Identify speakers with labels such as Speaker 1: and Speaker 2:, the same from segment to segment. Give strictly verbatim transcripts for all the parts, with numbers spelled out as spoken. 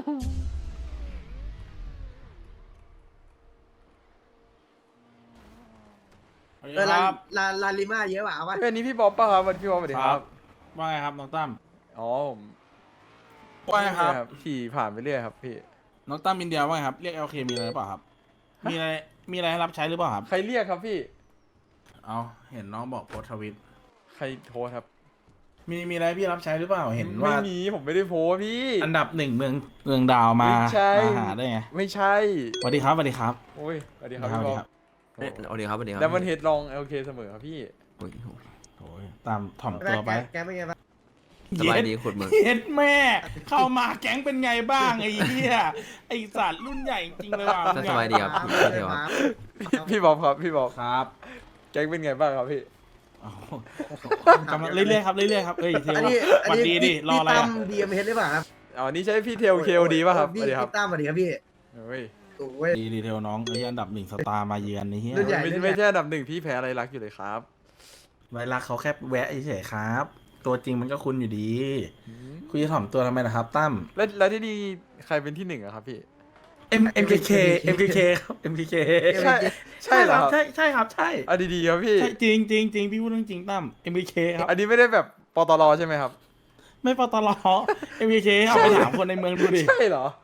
Speaker 1: เออลาลาลาลิมาเยอะว่ะเอาวะ
Speaker 2: เป็นนี้พี่บ๊อบป่ะครับวันพี่บ๊อบสวัสดีครับ
Speaker 3: ว่าไงครับน้องตั้ม
Speaker 2: อ๋อผม
Speaker 3: ว่าไงครับ
Speaker 2: ขี่ผ่านไปเรื่อยครับพี่
Speaker 3: น้องตั้มอินเดียว่าไงครับเรียก แอล เค มีอะไรหรือเปล่าครับมีอะไรมีอะไรให้รับใช้หรือเปล่าครับ
Speaker 2: ใครเรียกครับพี่
Speaker 3: เอาเห็นน้องบอกโพสต์ทวิต
Speaker 2: ใครโทรครับ
Speaker 3: มีมีอะไรพี่รับใช้หรือเปล่าเห็นว่า
Speaker 2: ไม่มีผมไม่ได้โพสต์พี่
Speaker 3: อันดับหนึ่งเมืองเมืองดาวมา
Speaker 2: ไม่ใช่
Speaker 3: มาหาได้ไง
Speaker 2: ไม่ใช่
Speaker 3: สวัสดีครับสวัสดีครับ
Speaker 2: โอ้ยสวัสดีครับ
Speaker 3: สวั
Speaker 2: พี่
Speaker 3: ส
Speaker 2: บ๊
Speaker 3: ดี
Speaker 2: อบ
Speaker 3: ครับ
Speaker 4: เอ้ยสวัสดีครับสวัสดีครับ
Speaker 2: แล้วมันเฮดลองโอเคเสมอครับพี่
Speaker 4: โอ้ยโห
Speaker 3: โอ้ยตามถ่อมตัวไป
Speaker 1: แกเป็นไงบ้าง
Speaker 4: สบายดีขุดมึง
Speaker 3: เย็ดแม่ เข้ามาแก๊งเป็นไงบ้างไอ้เหี้ยไอ้สัตว์รุ่นใหญ่จริงเลยว่ะ
Speaker 4: สบายดีครับ
Speaker 1: ครับ
Speaker 4: พี่เทวครับ
Speaker 2: พี่บ๊อบครับพี่บ๊อบ
Speaker 3: ครับ
Speaker 2: แก๊งเป็นไงบ้างครับพี่
Speaker 3: อ๋อกำลังเรื่อยๆครับเรื่อยๆครับเอ้ยเทว
Speaker 1: อันนี้
Speaker 3: สวัสดีดิรออะไร
Speaker 1: พี่ตั้
Speaker 3: อะ
Speaker 1: มดีเอ็มเฮดหรือเปล่าครับ
Speaker 2: อ๋อนี่ใช่พี่เทลเคโอดีป่ะครับส
Speaker 1: พี่
Speaker 2: วัสดีครับ
Speaker 1: พี่ตั้มสวัสดีครับพี่
Speaker 2: เฮ้ย
Speaker 1: โอ้ย
Speaker 3: ดีดีเทวน้องไอ้อันดับหนึ่งสตาร์มาเยือนไอ้เหี้ย
Speaker 1: รุ่นใหญ่
Speaker 2: ไม่ไม่ใช่อันดับหนึ่งพี่แพ้อะไรรักอยู่เลยครับ
Speaker 3: ไวรักเขาแค่แวะเฉยๆครับ ตัวจริงมันก็คุณอยู่ดีคุณจะถ่อมตัวทำไมนะครับตั้ม
Speaker 2: แล้วแล้วที่นี่ใครเป็นที่หนึ่งอะครับพี่
Speaker 3: M MKK MKK ครับ MKK
Speaker 2: ใช่ใช่เหรอครับ
Speaker 3: ใช่ใช่ครับใช่
Speaker 2: อ่ะดีๆครับพี่
Speaker 3: ใช่จริงจริงจริงพี่พูดเรื่องจริงตั้ม MKK ครับ
Speaker 2: อันนี้ไม่ได้แบบปตรใช่ไหมครับ
Speaker 3: ไม่ปตล MKK เอาไปถามคนในเมืองดูดิ
Speaker 2: ใช่เหรอ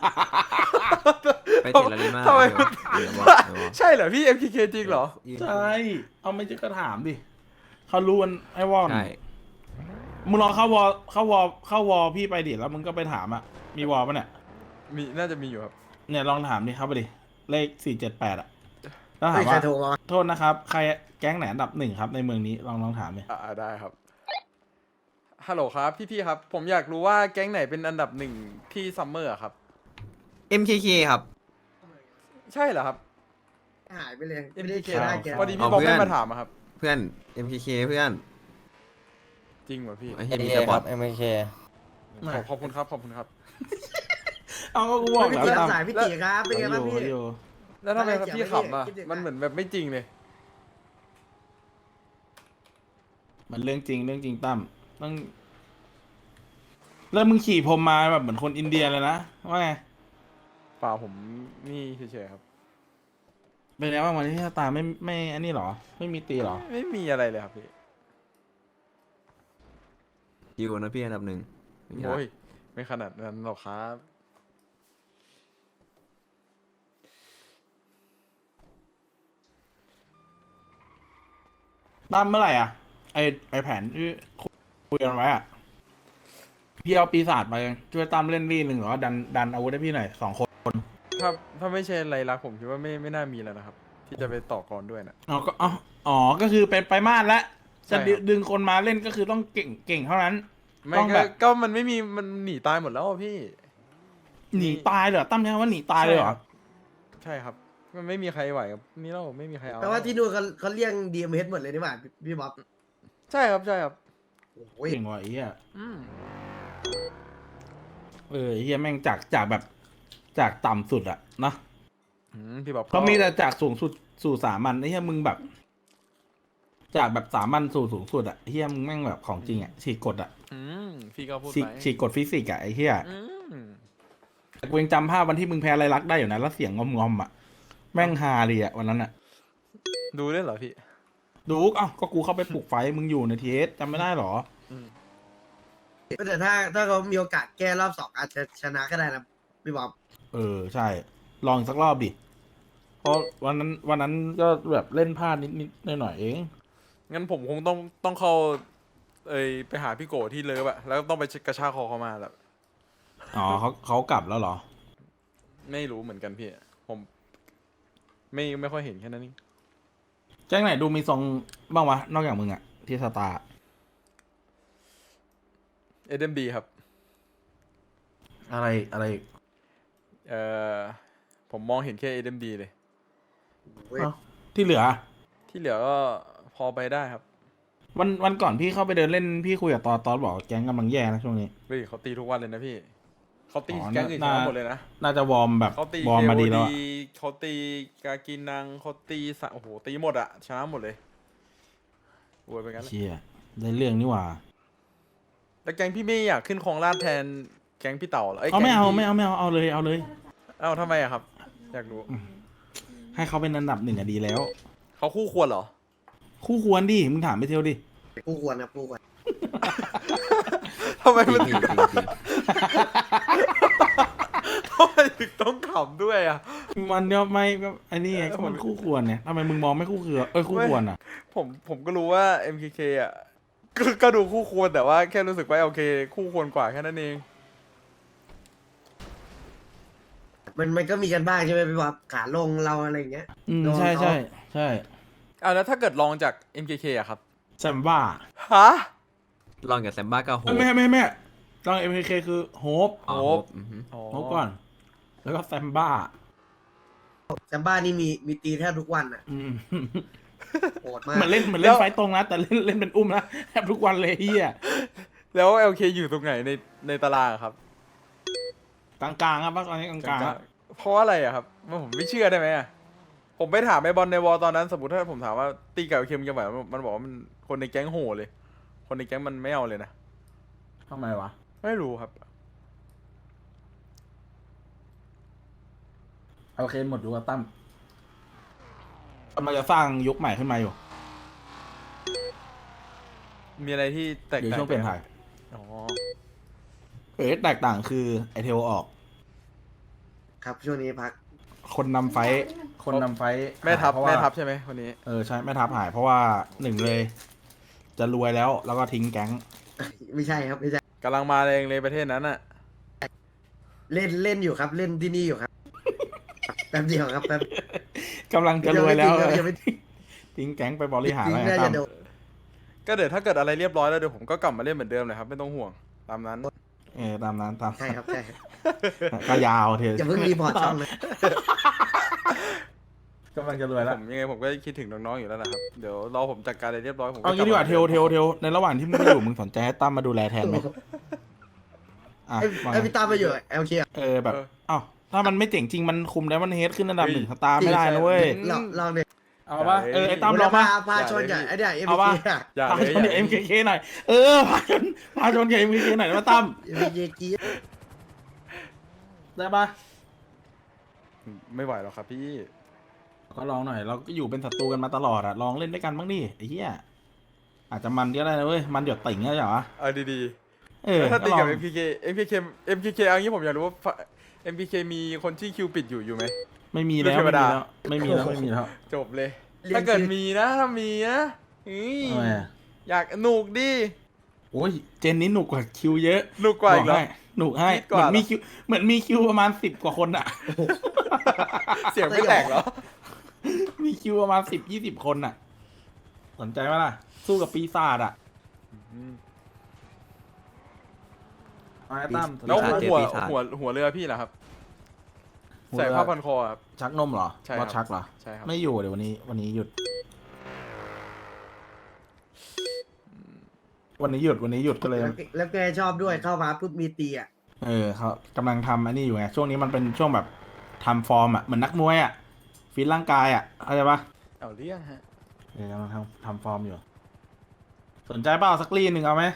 Speaker 4: ไปติดลาลิมา
Speaker 2: ทำไม
Speaker 4: เดี๋ยวบอกเดี๋ยวบอก
Speaker 2: ใช่เหรอพี่ เอ็ม เค เค จริงเหรอ
Speaker 3: ใช่เอาไม่จะก็ถามดิเขารู้กันไอ้วอน
Speaker 4: ใช่
Speaker 3: มึงลองเข้าวอลเข้าวอลเข้าวอลพี่ไปดิแล้วมึงก็ไปถามอ่ะมีวอลปะเนี่ย
Speaker 2: มีน่าจะมีอยู่ครับ
Speaker 3: เนี่ยลองถามดิครับไปดิเลขสี่เจ็ดแปดอ่ะแล้วถา
Speaker 1: ไม่
Speaker 3: ม
Speaker 1: ใคร
Speaker 3: ว่า
Speaker 1: โทรมา
Speaker 3: โทษนะครับ ใครแก๊งไหนอันดับหนึ่งครับในเมืองนี้ลองลองถามดิ
Speaker 2: อ่าได้ครับ ฮัลโหลครับ พี่ๆครับ ผมอยากรู้ว่าแก๊งไหนเป็นอันดับหนึ่งที่ซัมเมอร์อะครับ
Speaker 4: เอ็มเคเคครับ
Speaker 2: ใช่เหรอครับ
Speaker 1: หายไปเลยไม่
Speaker 2: เอ็ม
Speaker 1: ได้
Speaker 2: เค
Speaker 1: เจอหน้าแก
Speaker 2: พอดีพี่บอกไม่มาถามอะครับ
Speaker 4: เพื่อน เอ็มเคเค เพื่อน
Speaker 2: จริงเหรอพี่
Speaker 4: ไอ้เหี้ยมีสปอร์ต
Speaker 5: เอ็มเค
Speaker 2: ขอบขอบคุณครับขอบคุณครับ
Speaker 3: เอาก็กูบอก
Speaker 1: พี่
Speaker 3: แล้ว
Speaker 1: ตีรับ
Speaker 3: ตาม
Speaker 1: สายพี่ตีครับเป็นไงบ้างพี่
Speaker 3: อยู่
Speaker 2: แล้วทำไมครับ
Speaker 1: ไม่ได้
Speaker 2: พี่
Speaker 1: เกี่ยว
Speaker 2: ขำอะ
Speaker 1: ไม่ได้
Speaker 2: มันเหมือนแบบไม่จริงเลย
Speaker 3: มันเรื่องจริงเรื่องจริงตั้มต้องแล้วมึงขี่ผมมาแบบเหมือนคนอินเดียเลยนะว่าไง
Speaker 2: เปล่าผมนี่เฉยๆครับ
Speaker 3: เป็นไงบ้างวันนี้ตาไม่ไม่อันนี้หรอ ไม่มีตีหรอ
Speaker 2: ไม่มีอะไรเลยครับพี่
Speaker 4: อยู่นะพี่อันดับหนึ่ง
Speaker 2: โอ้ยไม่ขนาดนั้นหรอกครับ
Speaker 3: ตั้มเมื่อไหร่อ่ะไอไอแผนที่คุยกันไว้อ่ะพี่เอาปีศาจมาช่วยตั้มเล่นรีหนึ่งหรือว่าดันดันอาวุธให้พี่หน่อยสองคน
Speaker 2: ถ้าถ้าไม่ใช่ไรลักษณ์ผมคิดว่าไม่ไม่น่ามีแล้วนะครับ ที่จะไปต่อกรด้วยนะ
Speaker 3: อ๋อก็อ๋ออ๋อก็คือเป็นไปมาดแล้ว
Speaker 2: ใช่
Speaker 3: จะ
Speaker 2: ครับ
Speaker 3: ดึงคนมาเล่นก็คือต้องเก่งเก่งเท่านั้น
Speaker 2: ไม่
Speaker 3: ต้อง
Speaker 2: ก็
Speaker 3: แบบ
Speaker 2: ก็มันไม่มีมันหนีตายหมดแล้วอะพี่
Speaker 3: หนีตายเลยเหรอตั้มใช่ว่าหนีตายเลยเหรอ
Speaker 2: ใช่ครับมันไม่มีใครไหวกับนี่เราไม่มีใครเอา
Speaker 1: แต่ว่าที่นู่นเขาเขาเรียกดีเอ็มเฮดหมดเลยนี่หว่าพี่บ๊อบ
Speaker 2: ใช่ครับใช่ครับ
Speaker 1: โอ้ย
Speaker 3: เก่งว่ะไอ้เหี้ย
Speaker 2: อืม
Speaker 3: เออไอ้เหี้ยแม่งจากจากแบบจากต่ำสุดอะนะ
Speaker 2: อืมพี่บอก
Speaker 3: เขามีแต่จากสูงสุดสู่สามัญไอ้เหี้ยมึงแบบ จากแบบสามัญสู่สูงสุดอะไอ้เหี้ยมึงแม่งแบบของจริงอะฉีกกฎอะ
Speaker 2: อืมพี่ก็พูด
Speaker 3: ฉีก
Speaker 2: ไป
Speaker 3: ฉีกกฎฟิสิกส์อะไอ้เหี้ย
Speaker 2: อืม
Speaker 3: แต่กูยังจำภาพวันที่มึงแพ้ไรลักษณ์ได้อยู่นะแล้วเสียงงอมงอมๆอะแม่งฮาเลยอะวันนั้นอะ
Speaker 2: ดูได้เหรอพี่
Speaker 3: ดูเอ้าก็กูเข้าไปปลุกไฟมึงอยู่ในทีเอสจำไม่ได้หรอ
Speaker 2: อืม
Speaker 1: แต่ถ้าถ้าเขามีโอกาสแก้รอบสองอาจจะชนะก็ได้นะพี่บ๊อบ
Speaker 3: เออใช่ ลองอีกสักรอบดิเพราะวันนั้นวันนั้นก็แบบเล่นพลาดนิดนิดหน่อยหน่อยๆเอง
Speaker 2: งั้นผมคงต้องต้องเข้าเอยไปหาพี่โกที่เลิฟอะแล้วต้องไปกระชากคอเขามาแหละ
Speaker 3: อ๋อเขาเขากลับแล้วเหรอ
Speaker 2: ไม่รู้เหมือนกันพี่ ผม ไม่ไม่ค่อยเห็นแค่นั้นนี่
Speaker 3: แจ้งไหนดูมีทรงบ้างวะ นอกจากมึงอะที่สตาร์
Speaker 2: เอเดมบีครับ
Speaker 3: อะไรอะไร
Speaker 2: เอ่อผมมองเห็นแค่เอเดมบีเลย
Speaker 1: โอ้ย
Speaker 3: เอ้าที่เหลือ
Speaker 2: ที่เหลือก็พอไปได้ครับ
Speaker 3: วันวันก่อนพี่เข้าไปเดินเล่นพี่คุยกับตอนตอนบอกแก๊งกำลังแย่นะช่วงนี้
Speaker 2: เฮ้ยเขาตีทุกวันเลยนะพี่ เขาตี
Speaker 3: อ๋อ
Speaker 2: แก๊งอื่นช
Speaker 3: น่า
Speaker 2: นะหมดเลยนะ
Speaker 3: น่าจะวอร์มแบบ
Speaker 2: เขาตี
Speaker 3: วอร์ม
Speaker 2: เค
Speaker 3: มา
Speaker 2: โอ
Speaker 3: ดีแล้ว
Speaker 2: ดี
Speaker 3: อะ
Speaker 2: เขาตีกากินังเขาตีสะโอ้โหตีหมดอะชนะหมดเลยโวยไปกันเลย
Speaker 3: เชี่ยได้เรื่องนี่หว่า
Speaker 2: แล้วแก๊งพี่ไม่อยากขึ้นครองราชย์แทนก๊งพี่เต่าหรอ
Speaker 3: เอาไม่เอา
Speaker 2: แก๊งพี่
Speaker 3: ไม่เอาไม่เอาเอาเลยเอาเลย
Speaker 2: เอ้าทำไมอะครับ อยากรู้
Speaker 3: ให้เขาเป็นอันดับหนึ่งอะดีแล้ว
Speaker 2: เขาคู่ควรเหรอ
Speaker 3: คู่ควรดิมึงถามไปเที่ยวดิ
Speaker 1: ผู้ควรนะผู้ควร
Speaker 2: ทำไม
Speaker 4: จริ
Speaker 2: มัน
Speaker 4: ง
Speaker 2: ถึ
Speaker 4: พี่
Speaker 2: ง
Speaker 4: จริงจริง
Speaker 2: ทำไมถึงต้องขำด้วยอะ
Speaker 3: มันเนี่ยไม่ก็อันนี้ไง
Speaker 2: เออ
Speaker 3: ก็มัน
Speaker 2: ผม
Speaker 3: คู่ควรเนี่ยทำไมมึงมองไม่คู่ควรเอ้ยคู่ควรอ่ะ
Speaker 2: ผมผมก็รู้ว่า เอ็ม เค เค อ่ะก็ก็ดูคู่ควรแต่ว่าแค่รู้สึกว่าโอเค คู่ควรกว่าแค่นั้นเอง
Speaker 1: มันมันก็มีกันบ้างใช่ไหมพี่บ๊อบขาลงเราอะไรอย่างเงี้ย
Speaker 3: อืม
Speaker 1: โดน
Speaker 3: ใช่
Speaker 1: เขา
Speaker 3: ใช่ใช่
Speaker 2: อ่าแล้วถ้าเกิดลองจาก เอ็ม เค เค อะครับ
Speaker 3: แซมบ้า
Speaker 2: ฮะ
Speaker 4: ลองกับแซมบ้ากับโฮ
Speaker 3: ไม่ไม่ไม่ไม่ลองเอ็มเคคือโฮป
Speaker 4: อ๋อ
Speaker 2: โฮป
Speaker 4: อือฮึ
Speaker 3: โฮปก่อน แล้วก็แซมบ้า
Speaker 1: แซมบ้านี่มีมีตีแทบทุกวันอ่ะ
Speaker 3: อืม
Speaker 1: โหดมาก
Speaker 3: เหมือนเล่นเหมือนเล่นไฟตรงนะแต่เล่นเล่นเป็นอุ้มนะแทบทุกวันเลยเฮีย
Speaker 2: แล้ว แอล เค อยู่ตรงไหนในในตารางอะครับ
Speaker 3: กลางๆครับตอนนี้กลางๆอะ
Speaker 2: เพราะอะไรอะครับมันผมไม่เชื่อได้ไหมอะผมไปถามไอ้บอลในวอลตอนนั้น สมมติถ้าผมถามว่าตีกับ แอล เค มันจะไหวไหมมันบอกว่ามันคนในแก๊งโหเลย คนในแก๊งมันไม่เอาเลยนะ
Speaker 3: ทำไมวะ
Speaker 2: ไม่รู้ครับ
Speaker 3: โอเคหมดดูว่าตั้มกำลังจะสร้างยุคใหม่ขึ้นมาอยู่
Speaker 2: มีอะไรที่แตก
Speaker 3: อยู่
Speaker 2: ต่าง
Speaker 3: ช่วงเปลี่ยนถ่าย
Speaker 2: อ๋อ
Speaker 3: เอ๋แตกต่างคือไอเทลออก
Speaker 1: ครับช่วงนี้พัก
Speaker 3: คนนำไฟท์คนนำไฟท์
Speaker 2: แม่ทัพ
Speaker 3: หายเพราะว่า
Speaker 2: แม่ทัพใช่ไหมคนนี้
Speaker 3: เออใช่แม่ทัพหายเพราะว่าหนึ่งเลย จะรวยแล้วแล้วก็ทิ้งแก๊ง
Speaker 1: ไม่ใช่ครับไม่ใช่
Speaker 2: กำลังมาแรงเลยประเทศนั้นอ่ะ
Speaker 1: เล่นเล่นอยู่ครับ เล่นที่นี่อยู่ครับแป๊บเดียวครับแป๊บ
Speaker 3: กำลังจะรวยแล้ว
Speaker 1: ยังไม่ทิ้ง
Speaker 3: ทิ้งแก๊งไปบริหาร
Speaker 1: ทิ้ง
Speaker 3: ไว้
Speaker 1: น่า
Speaker 3: ตั้
Speaker 1: จะ
Speaker 3: ม
Speaker 1: โดน
Speaker 2: ก็เดี๋ยวถ้าเกิดอะไรเรียบร้อยแล้วเดี๋ยวผมก็กลับมาเล่นเหมือนเดิมเลยครับไม่ต้องห่วงตามนั้น
Speaker 3: เออตามนั้นตาม
Speaker 1: ใช่ครับใช่ครับ
Speaker 3: ก็ยาวเถอะ
Speaker 1: อย่าเพิ่งรีพอร์ตช่องเลย
Speaker 3: กำลังจะรวยแล้ว
Speaker 2: ผมยังไงผมก็คิดถึงน้องๆอยู่แล้วนะครับเดี๋ยวรอผมจัดการอะไรเรียบร้อยผม
Speaker 3: เอางี้ดีกว่าเทลเทลเทลในระหว่างที่มึงไม่อยู่มึงสนใจให้ตั้มมาดูแลแทนไหมอ่ะ
Speaker 1: ไอ้
Speaker 3: ว่า
Speaker 1: ไอ้
Speaker 3: ไง
Speaker 1: พี่ตามมาอยู่เอลเค
Speaker 3: เออแบบเอ้าถ้ามันไม่เจ๋งจริงมันคุมแล้วมันเฮดขึ้นอันดับหนึ่งสตาร์ไม่ได้นะเว้ย
Speaker 1: ลองลองเนี่ย
Speaker 3: เอาปะเออไอ้ตั้มลอง
Speaker 1: พา
Speaker 3: ปะ
Speaker 1: พาชนกับไอ้เนี่ยเอ็ม
Speaker 3: เอา
Speaker 1: เค
Speaker 3: ปะ
Speaker 2: อย่า
Speaker 3: พา
Speaker 2: เลย
Speaker 3: ชน
Speaker 2: อ
Speaker 3: กับ
Speaker 2: ย่า
Speaker 3: เอ็มเคหน่อยเออพาชนพาชนกับเอ็มเคหน่อยได้ปะตั้ม
Speaker 1: เอ็มเคกี
Speaker 3: ได้ปะ
Speaker 2: ไม่ไหวหรอกครับพี่
Speaker 3: ก็ลองหน่อยเราก็อยู่เป็นศัตรูกันมาตลอดอะลองเล่นด้วยกันบ้างดิไอ้เหี้ยอาจจะมันก็ได้นะเว้ยมันหยดติ่งก็ได้เหรอ
Speaker 2: เอาดี
Speaker 3: เออ
Speaker 2: ๆถ้าตี
Speaker 3: ลอ
Speaker 2: กับ
Speaker 3: ง
Speaker 2: เอ็ม พี เค เอ็ม พี เค เอ็ม พี เค เอางี้ผมอยากรู้ว่า เอ็ม พี เค มีคนที่คิวปิดอยู่อยู่ไหม
Speaker 3: ไม่มีแล้ว
Speaker 2: เทว
Speaker 3: ไม่มี
Speaker 2: ดา
Speaker 3: แล้วไม่มีแล้วไม่มีแล้ว
Speaker 2: จบเลย ถ้าเกิดมีนะถ้ามีนะอืม
Speaker 3: ทำไมอะ
Speaker 2: อยากหนุกดิ
Speaker 3: โอ้ยเจนนี้หนุกกว่าคิวเยอะ
Speaker 2: หนุกกว่าอีกเหรอ
Speaker 3: บให้หนุกให้
Speaker 2: คิด
Speaker 3: เห
Speaker 2: กว่า
Speaker 3: มือนมีคิวเหมือนมีคิวประมาณสิบกว่าคนอะ
Speaker 2: เสียงไม่แตกเหรอ
Speaker 3: มีคิวประมาณสิบยี่สิบคนอะสนใจไหมล่ะ สู้กับปีศาจอะมาตั้มสน
Speaker 2: แล้ว
Speaker 3: ใจ
Speaker 2: หัวหัวหัวเรือพี่ล่ะครับ ใส่ผ้าพันคอครับ
Speaker 3: ชักนมเหรอ
Speaker 2: ใช่ครับ
Speaker 3: ว่าชักเหรอ
Speaker 2: ใช่ครับ
Speaker 3: ไม่อยู่เดี๋ยววันนี้วันนี้หยุด วันนี้หยุดวันนี้หยุดก็เลย
Speaker 1: แล้วแล้วแกชอบด้วยเข้ามาปุ๊บมีตีอ่ะ
Speaker 3: เออเขากำลังทำอันนี้อยู่ไงช่วงนี้มันเป็นช่วงแบบทำฟอร์มอ่ะเหมือนนักมวยอ่ะฟิตร่างกายอ่ะเข้าใจปะ
Speaker 2: เอาเรื่องฮะ
Speaker 3: เออกำลังทำทำฟอร์มอยู่ สนใจเปล่าสักลีนหนึ่งเอาไหม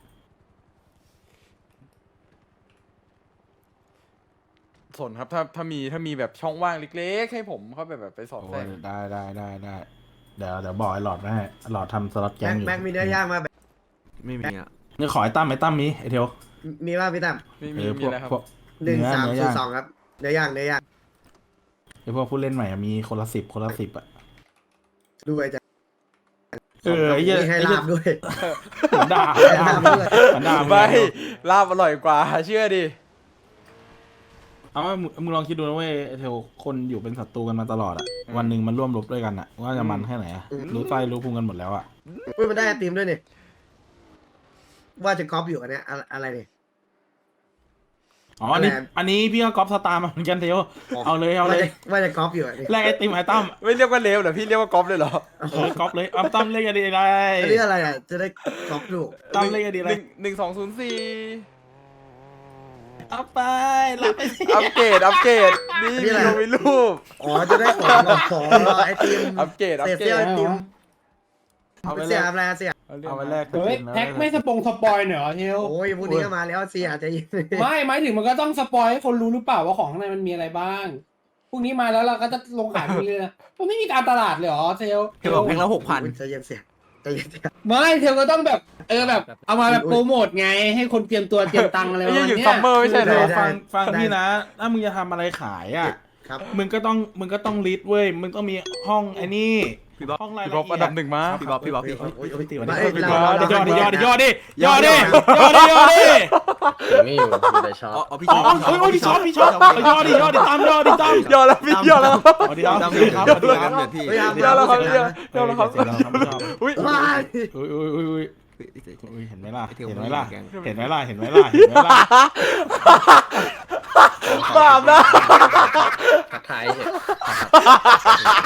Speaker 2: สนครับถ้าถ้ามีถ้ามีแบบช่องว่างเล็กๆให้ผมเข้าไปแบบไปสอบ
Speaker 3: โอ้
Speaker 2: แทร
Speaker 3: ย
Speaker 2: ก
Speaker 3: ได้ได้ได้ได้เดี๋ยวเดี๋ยวบอกไอ้หลอดไว้ให้หลอดทำสล็อตแก
Speaker 1: แม็
Speaker 3: ง
Speaker 1: ก
Speaker 3: อยู่
Speaker 1: แม็กมีเนื้อย่างมาแบบ
Speaker 4: ไม่มีอ่ะ
Speaker 3: เนี่ยขอไอ้ตั้มไอ้ตั้มมีไอ้เทียว
Speaker 1: มีว่าพี่ตั้ม
Speaker 2: มี
Speaker 3: เอ
Speaker 2: มี
Speaker 3: อพ
Speaker 2: มี
Speaker 3: วก
Speaker 2: อะไรครับ
Speaker 3: พวก
Speaker 1: หนึ่ง
Speaker 3: เนื้อ
Speaker 1: สาม
Speaker 3: เนื้
Speaker 1: ศูน
Speaker 3: อย่าง
Speaker 1: ย์สองครับเนื้อย่างเนื้อย่าง
Speaker 3: ไอ้พวกผู้เล่นใหม่อะมีคนละสิบคนละสิบอ่ะ
Speaker 1: ด้วยจ้ะ
Speaker 3: เออไอ้เหี้ย
Speaker 1: มีให้
Speaker 3: ไอ้เหี้
Speaker 1: ลาย บด้วย
Speaker 3: เหมือนด่า
Speaker 1: ให้ลาบด้วย
Speaker 3: เหมือนด่า
Speaker 2: ไม่
Speaker 3: ไม่
Speaker 2: ลาบอร่อยกว่าเชื่อดิ
Speaker 3: เอาว่ามึงมึงลองคิดดูนะเว้ยไอ้เทลคนอยู่เป็นศัตรูกันมาตลอดอ่ะวันหนึ่งมันร่วมรบด้วยกันอ่ะว่าจะมันแค่ไหนอ่ะรู้ใจรู้พุงกันหมดแล้วอ่ะ
Speaker 1: เฮ้ยมันได้ไอติมด้วยเนี่ยว่าจะก๊อปอยู่อันเนี้ยอะอะไรเนี่ย
Speaker 3: อ๋ออันนี้
Speaker 1: แหลม
Speaker 3: อันนี้พี่ก็ก๊อปสตาร์มาเหมือนกันเทลเอาเลยเอา
Speaker 1: ว่า
Speaker 3: เล
Speaker 1: จะ
Speaker 3: ย
Speaker 1: ว่าจะก๊อปอยู่อันนี้
Speaker 3: แลกไอติมไอ้ตั้ม
Speaker 2: ไม่เรียกว่าเลวเหรอพี่เรียกว่ากอล์ฟเลยเหรอ
Speaker 3: เออก๊อปเลยเอาตั้มเลขอะไรได้
Speaker 1: อันนี้อะไรอ่ะจะได้ก๊อปถูก
Speaker 3: ตั้มเลขอะไร
Speaker 2: ห
Speaker 3: ได้
Speaker 2: นึ่งหนึ่งสองศูนย์สี่
Speaker 3: เอาไปรับไปสิ
Speaker 2: อัปเกรดอัปเกรดนี่มีลงมีรูป
Speaker 1: อ๋อจะได้ของของไอติม
Speaker 2: อัปเกรดอัป
Speaker 1: เศษ
Speaker 2: เกร
Speaker 1: เสี้ยว
Speaker 2: ด
Speaker 1: ไอติม
Speaker 3: เอาไปเล
Speaker 1: เสี
Speaker 3: ย
Speaker 1: ยอะไรเสีย
Speaker 2: รื่อง
Speaker 3: เอาไปแลก
Speaker 2: นะ
Speaker 5: เฮ้ยแท็กไม่สปงสปอยหน่อยเหรอเทล
Speaker 1: โอ้ยพรุ่งนี้ก็มาแล้วเสียใจเย็น
Speaker 5: ไม่หมายถึงมันก็ต้องสปอยให้คนรู้หรือเปล่าว่าของข้างในมันมีอะไรบ้างพรุ่งนี้มาแล้วเราก็จะลงขายพรุ่งนี้เลยนะมันไม่มีการตลาดเลยเหรอเทล
Speaker 4: เทลบอกแพ็คละหกพัน
Speaker 1: ใจเย็นเสียใจเย็นเสีย
Speaker 5: ไม่เทลก็ต้องแบบเออแบบเอามาแบบโปรโมทไงให้คนเตรียมตัวเตรียมตังค์อะไรประ
Speaker 2: ไอ้
Speaker 5: มาณ
Speaker 2: เหี้ยอยู่
Speaker 5: เนี้ย
Speaker 2: ซัมเมอร์ไม่ใช่เหร
Speaker 3: เดี๋
Speaker 2: อ
Speaker 3: ยวฟังฟังพี่นะ ถ้ามึงจะทำอะไรขายอ่ะ
Speaker 1: ครับ
Speaker 3: มึงก็ต้องมึงก็ต้องลิสต์เว้ย มึงต้องมีห้องไอ้นี่
Speaker 4: พี่บ๊อบ
Speaker 3: ห้องราย
Speaker 2: พี่
Speaker 3: ละ
Speaker 2: บ๊อบ
Speaker 3: เอีย
Speaker 2: อันดับหนึ่งมา
Speaker 4: พี่บ๊อบพี่บ๊อบพี่
Speaker 1: โอ้ยโอ้ยโอ้ย
Speaker 3: ตีวัน
Speaker 1: ไม่
Speaker 3: นี้
Speaker 1: เราเรา
Speaker 3: ยอดดิยอดดิยอดดิ
Speaker 1: ย
Speaker 3: ย
Speaker 1: อ
Speaker 3: อ
Speaker 1: ด
Speaker 3: ด
Speaker 1: ดิ
Speaker 3: ดิยอดดิยอดดิ
Speaker 6: ไม่อยู่อยู่แต่ชอบ
Speaker 4: อ๋ออ๋อพี่
Speaker 3: อ๋อ
Speaker 4: ชอบ
Speaker 3: โอ้ยโอ้ยพี่ชอบพี่ชอบยอดดิยอดดิตามยอดดิตาม
Speaker 2: ยอดแล้วพี่ยอดแล้วครับ
Speaker 3: สวัสดีครับ
Speaker 4: ตาม
Speaker 3: สวัสดีครับสวัสดีครับ
Speaker 4: เดือดพี่
Speaker 1: เฮ้ยห้าม
Speaker 2: ยอดแล้วครับ
Speaker 1: ห้าม
Speaker 2: ยอดยอดแล้วครับ
Speaker 3: เสียงดังครับพี่ชอบ
Speaker 2: อุ้ย
Speaker 1: ว้าย
Speaker 3: อุ้ยอุ้ยอุ้ยอุ้ย
Speaker 4: เฮ้ยเฮ้ย
Speaker 3: อุ้ยเห็นไหมล่ะ
Speaker 4: ไอ้เทล
Speaker 3: เห็นไหมล่ะ
Speaker 4: แกง
Speaker 3: เห็นไหมล่ะเห็นไหมล่ะเห็นไหมล่ะ
Speaker 2: บาปนะ
Speaker 6: ทักทายเฉย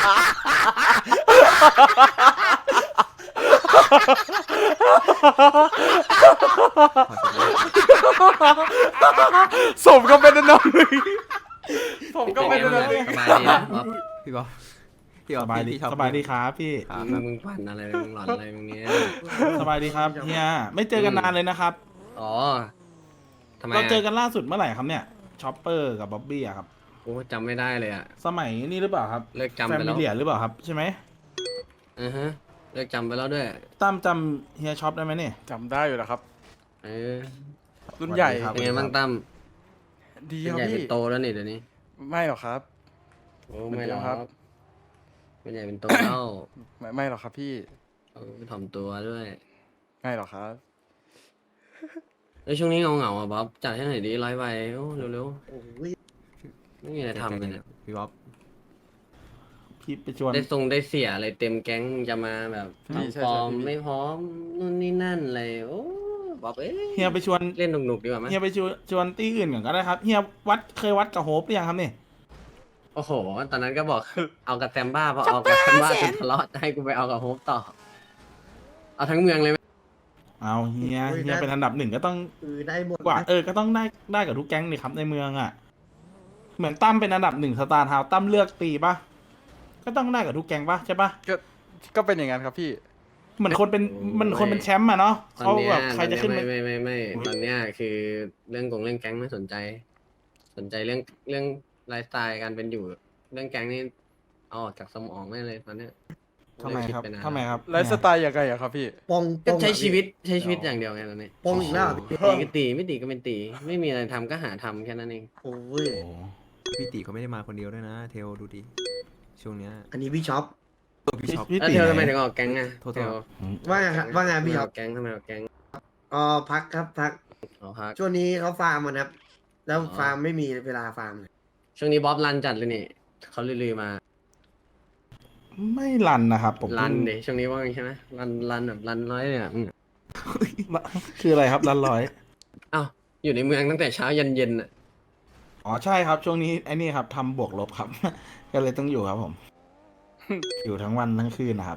Speaker 2: สมก็เป็นอันดับหนึ่งสมก็เป็นอันดับหนึ่ง
Speaker 6: สบายดีนะบ๊อบ
Speaker 4: พี่บ๊อบพี่บ๊
Speaker 3: ส
Speaker 4: อบบ
Speaker 3: ายดี
Speaker 4: พี่ชอบ
Speaker 3: สบายดีครับพี่
Speaker 4: ครับ
Speaker 6: มึงมึงปั่นอะไรมึงหลอนอะไรมึงเนี้ย
Speaker 3: สบายดีครับเฮียไม่เจอกันนานเลยนะครับ
Speaker 6: อ๋อทำไม
Speaker 3: เรา
Speaker 6: อะ
Speaker 3: เจอกันล่าสุดเมื่อไหร่ครับเนี่ยชอปเปอร์กับบ๊อบบี้อะครับ
Speaker 6: โอ้จำไม่ได้เลยอะ
Speaker 3: สมัยนี่หรือเปล่าครับ
Speaker 6: เลิกจำ
Speaker 3: แฟ
Speaker 6: ไป
Speaker 3: มิ
Speaker 6: แล้ว
Speaker 3: เลียหรือเปล่าครับใช่ไหม
Speaker 6: อือฮะเลิกจำไปแล้วด้วย
Speaker 3: ตั้มจำเฮียช็อปได้ไหมเนี่ย
Speaker 2: จำได้อยู่แล้วครับ
Speaker 6: เออ
Speaker 2: รุ่นใหญ่
Speaker 3: สวัสดีครับ
Speaker 6: เป็นไงบ้างตั้ม
Speaker 2: ดี
Speaker 6: เป็น
Speaker 2: ครับ
Speaker 6: ใหญ่
Speaker 2: พี่
Speaker 6: เป็นโตแล้วนี่เดี๋ยวนี้
Speaker 2: ไม่หรอกครับ
Speaker 6: โอ้
Speaker 2: เหมือน
Speaker 6: ไม่
Speaker 2: เดิ
Speaker 6: หร
Speaker 2: ม
Speaker 6: อก
Speaker 2: ครับ
Speaker 6: เป็นใหญ่เป็นโตแล้ว
Speaker 2: ไม่ไม่หรอกครับพี่
Speaker 6: เออถ่อมตัวด้วย
Speaker 2: ไม่หรอกครับ
Speaker 6: แล้วช่วงนี้เงาเงาๆอ่ะบ๊อบจัดให้หน่อยดิร้อยใบโอ้เร็ว
Speaker 1: โอ้ย
Speaker 6: ๆไม่มีอะไรทำเลยเนี่ย
Speaker 4: พี่บ๊อบ
Speaker 3: พี่ไปชวน
Speaker 6: ได้ทรงได้เสียอะไรเต็มแก๊งจะมาแบบ
Speaker 2: พี่ใช่
Speaker 6: ทำฟอร์ม
Speaker 2: ใช่พี่
Speaker 6: ไม่พร้อมนู่นนี่นั่นอะไรโอ้บอกเอ้ย
Speaker 3: เฮียไปชวน
Speaker 6: เล่นหนุกๆดีกว่าไหม
Speaker 3: เฮียไปชวนชวนตี้อื่นก่อนก็ได้ครับเฮียวัดเคยวัดกับโฮปหรือยังครับเนี่ย
Speaker 6: โอ้โห ตอนนั้นก็บอกเอากับแซมบ้าพอเอากับแซมบ้าจนทะเลาะให้กูไปเอากับโฮปต่อ เอาทั้งเมืองเลยไหม
Speaker 3: เอาเฮียเฮียเป็นอันดับหนึ่งก็ต้อง
Speaker 1: คือได้หมด
Speaker 3: กว่าเออก็ต้องได้ได้กับทุกแก๊งนี่ครับในเมืองอ่ะ เหมือนตั้มเป็นอันดับหนึ่งสตาร์ทาวตั้มเลือกตีปะก็ต้องได้กับทุกแก๊งปะใช่ปะ
Speaker 2: ก็ก็เป็นอย่างนั้นครับพี่
Speaker 3: เหมือนคนเป็นเหมันคนเป็นแชมป์อะเนาะ
Speaker 6: ตอน
Speaker 3: เขา
Speaker 6: เนี้ย
Speaker 3: แบบใครจะขึ้น
Speaker 6: ไม่
Speaker 3: ไป
Speaker 6: ไม่ไม่ไม่ไม่ตอนเนี้ยคือเรื่องกงเรื่องแก๊งไม่สนใจ สนใจเรื่องเรื่องไลฟ์สไตล์การเป็นอยู่ เรื่องแก๊งนี่เอาออกจากสมองไม่เลยตอนเนี้ย
Speaker 3: ทำไมครับ
Speaker 6: เลิกดปนาน
Speaker 3: ทำไมครับ
Speaker 2: ไลฟ์สไตล์ยังไงอะครับพี่
Speaker 1: ปอง
Speaker 6: ก็
Speaker 1: ปอง
Speaker 6: ใช้
Speaker 1: อะ
Speaker 6: ชีวิตใช้ชีวิตอย่างเดียวไงตอนนี้
Speaker 1: ปองอีกแล้วเหรอพี่
Speaker 6: ตีก็ตีไม่ตีก็เป็นตี ไม่มีอะไรทำก็หาทำแค่นั้นเอง
Speaker 1: โอ้ย
Speaker 3: โอ้
Speaker 4: พี่ติเขาไม่ได้มาคนเดียวด้วยนะ เทลดูดิช่วงเนี้ย
Speaker 1: อันนี้พี่ช็อป
Speaker 4: ตัวพี่ช็อป
Speaker 3: พี่
Speaker 6: แล้ว
Speaker 3: ตี
Speaker 6: เธอทำ
Speaker 3: ไห
Speaker 6: ไม
Speaker 3: น
Speaker 6: ถึงออกแก๊งอ่ะ
Speaker 4: โทษๆ
Speaker 6: เธอ
Speaker 1: ว่าไงครับว่าไง
Speaker 6: ทำไม
Speaker 1: พี่ช็
Speaker 6: อ
Speaker 1: อป
Speaker 6: อกแก๊งทำไมออกแก๊ง
Speaker 1: อ๋อพักครับพัก
Speaker 6: อ๋อพัก
Speaker 1: ช่วงนี้เขาฟาร์มกันครับ แล้ว
Speaker 6: อ๋อ
Speaker 1: ฟาร์มไม่มีเวลาฟาร์มเลย
Speaker 6: ช่วงนี้บ๊อบรันจัดเลยนี่เขาลือๆมา
Speaker 3: ไม่รันนะครับ ผม
Speaker 6: รัน
Speaker 3: เพิ่ง
Speaker 6: เดช่วงนี้ว่าไงใช่ไหมรันรันแบบรันร้อยเนี่ยอืม
Speaker 3: คืออะไรครับรันร้อย
Speaker 6: อ้าวอยู่ในเมืองตั้งแต่เช้ายันเย็นอ่ะ
Speaker 3: อ๋อใช่ครับ ช่วงนี้ไอ้นี่ครับทำบวกลบครับ ก็เลยต้องอยู่ครับผม อยู่ทั้งวันทั้งคืนนะครับ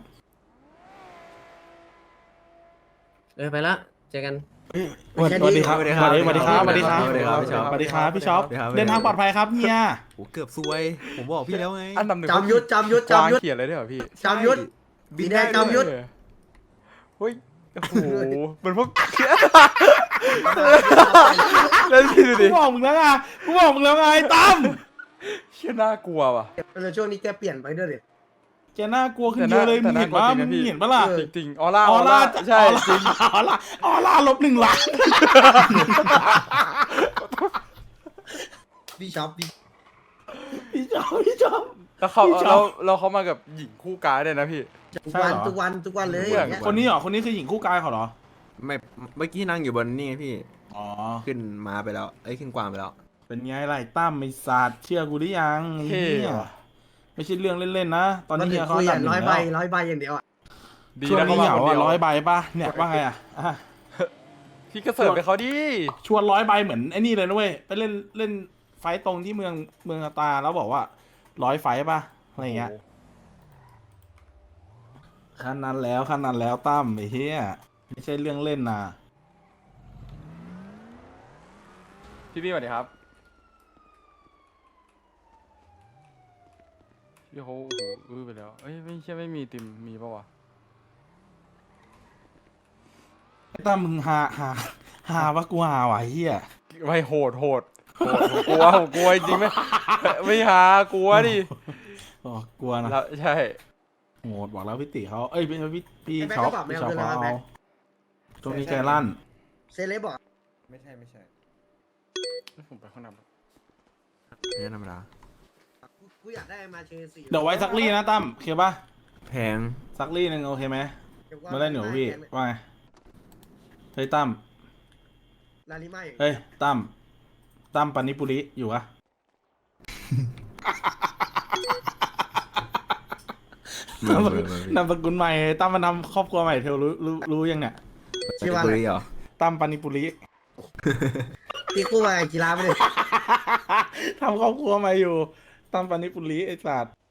Speaker 6: เออไปละเจอกัน
Speaker 3: สวัสดีครับ
Speaker 4: สวัสดี
Speaker 3: ส
Speaker 4: ครับ
Speaker 3: วัสดีครับสวัสดีครับ
Speaker 4: สวัสดีครับพี่ช็อป
Speaker 3: สวัสดีครับพี่ช็อป
Speaker 4: สวัสดีครับ
Speaker 3: เดินทางปลอดภัยครับเฮีย
Speaker 4: โหเกือบซวย ผมบอกพี่แล้วไง
Speaker 2: อันดับหนึ่ง
Speaker 1: จำยุทธจำยุทธ
Speaker 2: กวาง
Speaker 1: จำยุทธ
Speaker 2: เขียนอะไรด้วยเหรอพี่
Speaker 1: จำยุทธ
Speaker 4: บิน
Speaker 1: สีแด
Speaker 4: ได้
Speaker 1: งจำยุทธ
Speaker 2: เฮ้ยโอ้โหเหมือนพวกแล้วพี่ดู
Speaker 3: กู
Speaker 2: ดิ
Speaker 3: บอกมึงแล้วไงกูบอกมึงแล้วไงตั้ม
Speaker 2: เชี่ยน่ากลัวว่ะ
Speaker 1: แล้วช่วงนี้แกเปลี่ยนไปด้วยดิ
Speaker 3: แกน่ากลัวขึ้นเยอะเลยมึงเห็นปะมึงเห็นปะล่ะ
Speaker 2: จริงๆออร่า
Speaker 3: อ
Speaker 2: อ
Speaker 3: อ
Speaker 2: อ
Speaker 3: ร่า
Speaker 2: ร่าใช่
Speaker 3: ออร่า
Speaker 2: จริง
Speaker 3: ออร่าออร่าลบหนึ่งล้าน
Speaker 1: พี่ช็อปพี่
Speaker 3: พี่ชอบพี่ชอบ
Speaker 2: แล้วเขา
Speaker 3: พี่ชอบ
Speaker 2: เราเราเขามากับหญิงคู่กายด้วยนะพี่
Speaker 1: ทุก
Speaker 3: ใช่
Speaker 1: วัน
Speaker 3: เหรอ
Speaker 1: ทุกวันทุกวันเลย
Speaker 2: เพื่อน
Speaker 1: อย่างเงี้ย
Speaker 3: คนนี้เหรอคนนี้คือหญิงคู่กายเขาเหรอ
Speaker 4: ไม่เมื่อกี้นั่งอยู่บนนี่ไงพี่
Speaker 3: อ๋อ
Speaker 4: ขึ้นมาไปแล้ว เอ้ยขึ้นกวางไปแล้ว
Speaker 3: เป็นไงไรตั้มไอ้สัตว์เชื่อกูหรือยังไอ้
Speaker 2: เท่
Speaker 3: เหี้ย
Speaker 2: ว่ะ
Speaker 3: ไม่ใช่เรื่องเล่นๆนะตอนนี้
Speaker 1: มัน
Speaker 3: เฮี
Speaker 1: ถึ
Speaker 3: ย
Speaker 1: ง
Speaker 3: เขา
Speaker 1: คุย
Speaker 3: อัน
Speaker 1: อ่ะ
Speaker 3: ดับหนึ่
Speaker 1: ร้อย
Speaker 3: ง
Speaker 1: ใบ
Speaker 3: แล้ว
Speaker 1: ร้อยใบอย่างเดียวอ่ะ
Speaker 2: ดี
Speaker 3: ช่วง
Speaker 2: นะ
Speaker 3: นี้
Speaker 2: เขา
Speaker 3: เห
Speaker 2: มาง คนเดียว
Speaker 3: าอ่ะร้อยใบป่ะเนี่ยว่าไงอ่ะอ่ะ
Speaker 2: พี่ก็เสิร์ฟไปเขาดิ
Speaker 3: ชวนร้อยใบเหมือนไอ้นี่เลยนะเว้ยไปเล่นเล่นไฟต์ตรงที่เมืองเมืองตาแล้วบอกว่าร้อยไฟต์ป่ะอะไรอย่างเงี้ยขั้นนั้นแล้วขั้นนั้นแล้วตั้มไอ้เหี้ยไม่ใช่เรื่องเล่นนะ
Speaker 2: พี่พี่สวัสดีครับพี่เขาโอ้โหอื้อไปแล้วเอ้ยไม่ใช่ไม่มีติมมีปะวะ
Speaker 3: ไอ้ตั้มมึงหาหาหาว่ากูหาไหวะไอ้เฮีย
Speaker 2: ไม่โหดโหดโหดผมกลัวผมกลัวจริงๆไม่ไม่หากลัวดิ
Speaker 3: อ๋อกลัวนะ
Speaker 2: แล้วใช่
Speaker 3: โหดบอกแล้วพี่ติเขาเอ้ยพี่พี่พี่
Speaker 1: ไอ้แม็ก
Speaker 3: ช็อป
Speaker 1: ก็บอกไม่
Speaker 3: พี่
Speaker 1: เอา
Speaker 3: ช็อป
Speaker 1: คืน
Speaker 3: เขา
Speaker 1: แล้วแม็
Speaker 3: เอา
Speaker 1: ก
Speaker 3: ตรงนี้ใจลั่น
Speaker 1: เซเลบบอก
Speaker 4: ไม่ใช่ไม่ใช่
Speaker 2: ผมไปข้างหน้า
Speaker 4: ไม่ใช่ธรรมดา
Speaker 1: กูกูอยากได้มาเชสี่
Speaker 3: เดี๋ยวไว้ซักลี่นะตั้มโอเคปะ
Speaker 4: แพง
Speaker 3: ซักลี่หนึ่งโอเคไหม
Speaker 1: ดี๋ยวว่
Speaker 3: มาเล่นหนูพี่
Speaker 1: แก๊ง
Speaker 3: ว่าไงเฮ้ยตั้ม
Speaker 1: ลาลิมาอย่าง
Speaker 3: เฮ้ยตั้มตั้มปานิปุริอยู่อะ
Speaker 4: เบอร์เบอร์เบอร์
Speaker 3: นามสกุลใหม่ตั้มมานำครอบครัวใหม่เทลรู้รู้รู้ยังเนี่ย
Speaker 1: ชื่อว่า
Speaker 4: บุ
Speaker 1: อะไร
Speaker 4: รีเหรอ
Speaker 3: ตั้มปานิปุริ
Speaker 1: ที่กู้มาไอ้กีฬาไม่ได้
Speaker 3: ทำครอบครัวใหม่อยู่ตั้มปานิปุริไอ้สัตว์